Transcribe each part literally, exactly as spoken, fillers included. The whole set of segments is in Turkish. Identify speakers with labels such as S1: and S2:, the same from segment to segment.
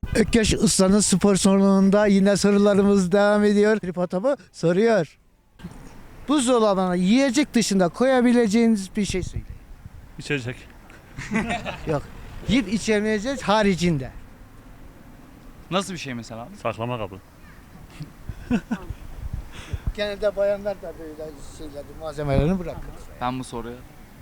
S1: Ökkeş Usta'nın spor salonunda yine sorularımız devam ediyor. Tripod'u soruyor. Buzdolabına yiyecek dışında koyabileceğiniz bir şey söyleyin.
S2: İçecek.
S1: Yok. Yiyip içemeyeceğiz haricinde.
S3: Nasıl bir şey mesela abi?
S2: Saklama kabı.
S1: Genelde bayanlar da böyle şeyleri, malzemelerini bırakır.
S3: Ben bu soruya.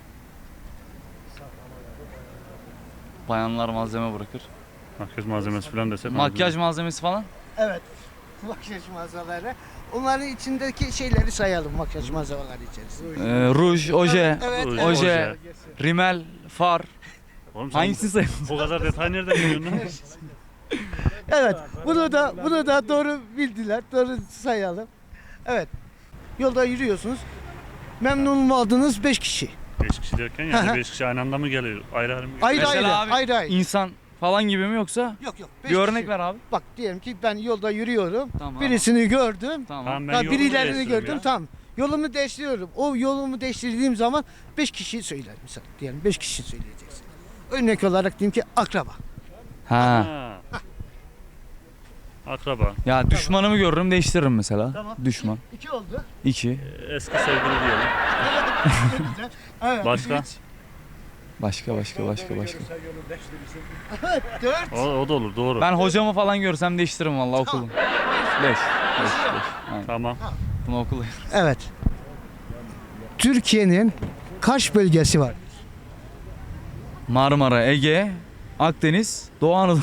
S3: Bayanlar malzeme bırakır.
S2: Makyaj malzemesi falan desek.
S3: Makyaj malzemesi falan.
S1: Evet. Makyaj malzemeleri. Onların içindeki şeyleri sayalım makyaj malzemeleri içerisinde.
S3: Ee, ruj, oje,
S1: Evet,
S2: Ruj,
S1: evet.
S3: oje,
S2: oje.
S3: rimel, far.
S2: Oğlum sen
S3: Hangisini sayalım?
S2: o kadar detay nereden biliyorsun lan?
S1: Evet. Bunu da bunu da doğru bildiler. Doğru sayalım. Evet. Yolda yürüyorsunuz. Memnun mu oldunuz? beş kişi.
S2: beş kişi derken yani beş kişi aynı anda mı geliyor? Ayrı ayrı mı geliyor?
S1: Ayrı
S3: Mesela
S1: ayrı.
S3: abi,
S1: ayrı ayrı.
S3: İnsan falan gibi mi yoksa?
S1: Yok yok. beş
S3: Bir örnek
S1: kişi.
S3: ver abi.
S1: Bak diyelim ki ben yolda yürüyorum.
S3: Tamam.
S1: Birisini gördüm.
S3: Tamam.
S2: Tamam, ben
S1: Ha,
S2: yolumu
S1: birilerini
S2: değiştiriyorum
S1: gördüm.
S2: ya.
S1: Tamam. Yolumu değiştiriyorum. O yolumu değiştirdiğim zaman beş kişi söyler mesela. Diyelim beş kişi söyleyeceksin. Örnek olarak diyeyim ki akraba.
S3: Ha.
S2: Ha. Akraba.
S3: Ya düşmanımı görürüm değiştiririm mesela.
S1: Tamam.
S3: Düşman.
S1: İki oldu.
S3: İki.
S2: Eski sevgili diyelim.
S1: Güzel. Evet.
S2: Başka?
S3: Başka başka başka başka.
S1: Evet. Dört.
S2: O, o da olur doğru.
S3: Ben hocamı falan görsem değiştiririm vallahi okulum. Beş. Beş. Beş. Aynen.
S2: Tamam.
S3: Bunu okul.
S1: Evet. Türkiye'nin kaç bölgesi var?
S3: Marmara, Ege, Akdeniz, Doğu Anadolu.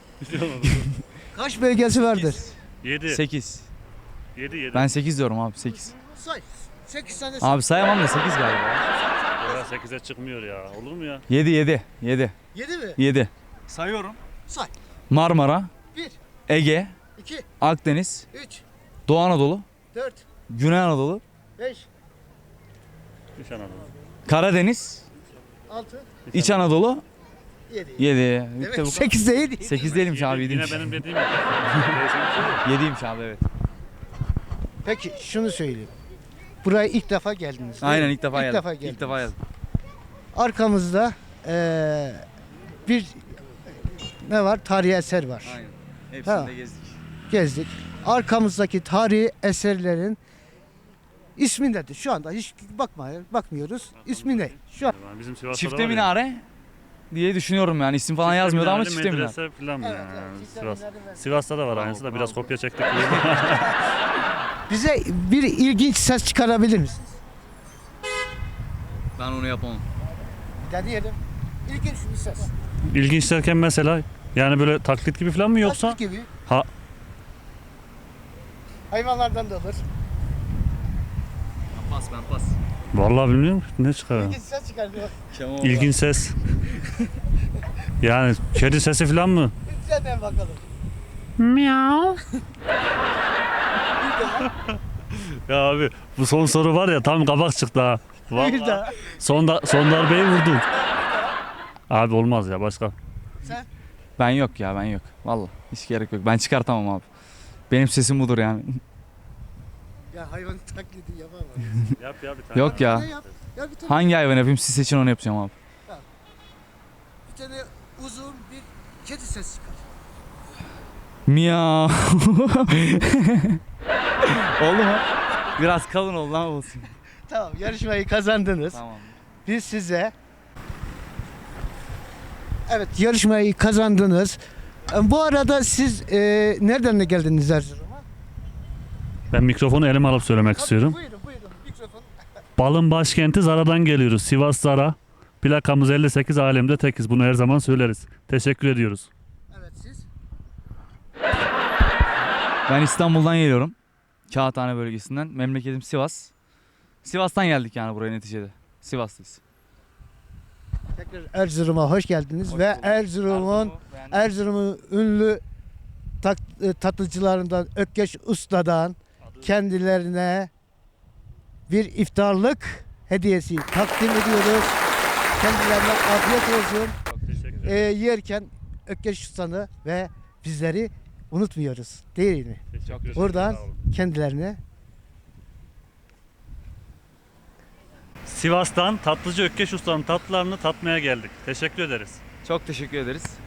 S1: Kaç bölgesi vardır?
S2: yedi.
S3: sekiz.
S2: yedi yedi.
S3: Ben sekiz diyorum abi sekiz.
S1: Say. sekiz tane.
S3: Abi sayamam da sekiz galiba.
S2: Ya sekize çıkmıyor ya. Olur mu ya?
S3: yedi yedi. yedi.
S1: yedi mi?
S3: yedi. Sayıyorum.
S1: Say.
S3: Marmara,
S1: bir,
S3: Ege,
S1: iki,
S3: Akdeniz,
S1: üç,
S3: Doğu Anadolu,
S1: dört,
S3: Güney Anadolu,
S1: beş,
S2: İç Anadolu.
S3: Karadeniz,
S1: altı,
S3: İç Anadolu,
S1: yedi.
S3: yedi. Bitti
S1: Evet,
S3: bu.
S1: sekiz değil.
S3: sekiz değilmiş abi
S2: Yedi,
S3: yediymiş.
S2: Yine benim dediğim gibi. Değişik bir şey yok.
S3: yediymiş abi evet.
S1: Peki şunu söyleyeyim. Buraya ilk defa geldiniz. değil
S3: Aynen
S1: mi?
S3: ilk defa
S1: İlk
S3: geldim.
S1: defa
S3: İlk
S1: geldiniz.
S3: defa geldim.
S1: Arkamızda eee, bir ne var? Tarihi eser var.
S3: Aynen.
S1: Hepsini
S3: Hepsini
S1: de
S3: de gezdik.
S1: Gezdik. Arkamızdaki tarihi eserlerin ismi nedir? Şu anda hiç bakma, bakmıyoruz. İsmi ne? Şu an.
S2: Yani bizim Sivas'ta da
S3: Çifte
S2: var ya.
S3: minare diye düşünüyorum yani isim falan
S2: Çifte
S3: yazmıyordu ama
S2: minareli
S3: çifte minare.
S2: medrese falan
S1: Evet,
S2: yani.
S1: evet, çifte
S2: Sivas.
S1: minareli medrese.
S2: Sivas'ta da var aynısı da biraz kopya çektik.
S1: Bize bir ilginç ses çıkarabilir misiniz?
S3: Ben onu yapamam.
S1: Bir deneyelim. İlginç bir ses.
S2: İlginç derken mesela yani böyle taklit gibi falan mı yoksa?
S1: Taklit gibi.
S2: Ha.
S1: Hayvanlardan da olur.
S3: Pas ben pas.
S2: Vallahi bilmiyorum ne çıkar.
S1: İlginç ses çıkardı.
S2: İlginç ses. Yani kedi sesi falan mı?
S1: Bir dene bakalım.
S2: Miau. Ya abi bu son soru var ya tam kabak çıktı ha.
S1: Bir
S2: Vallahi
S1: daha.
S2: son, da, son darbeyi vurdun. Abi olmaz ya başka.
S1: Sen?
S3: Ben yok ya ben yok. Vallahi hiç gerek yok. Ben çıkartamam abi. Benim sesim budur yani.
S1: Ya hayvan taklidi yapamam.
S2: Yap ya bir tane.
S3: Yok ya.
S1: Ne yap? Ya bir tane,
S3: Hangi hayvan yapayım siz seçin onu yapacağım abi.
S1: bir tane uzun bir kedi sesi çıkar.
S3: Miyav. Oldu mu? Biraz kalın oldu ama olsun.
S1: Tamam, yarışmayı kazandınız.
S3: Tamam.
S1: Biz size evet yarışmayı kazandınız. E, Bu arada siz e, nereden de geldiniz Erzurum'a?
S2: Ben mikrofonu elime alıp söylemek istiyorum.
S1: Buyurun buyurun mikrofon.
S2: Balın başkenti Zara'dan geliyoruz. Sivas Zara. Plakamız elli sekiz, alemde tekiz. Bunu her zaman söyleriz. Teşekkür ediyoruz.
S1: Evet siz.
S3: Ben İstanbul'dan geliyorum. Kağıthane bölgesinden. Memleketim Sivas. Sivas'tan geldik yani buraya neticede. Sivaslıyız.
S1: Tekrar Erzurum'a hoş geldiniz
S3: Hoş
S1: ve
S3: bulduk.
S1: Erzurum'un Erzurum'un ünlü tat, e, tatlıcılarından Ökkeş Usta'dan kendilerine bir iftarlık hediyesi takdim ediyoruz. Kendilerine afiyet olsun.
S2: Çok teşekkür
S1: E, yerken Ökkeş Usta'nı ve bizleri unutmuyoruz değil mi?
S2: Teşekkür ederim.
S1: Buradan
S2: Sağ olun.
S1: kendilerine
S2: Sivas'tan tatlıcı Ökkeş Usta'nın tatlılarını tatmaya geldik. Teşekkür ederiz.
S3: Çok teşekkür ederiz.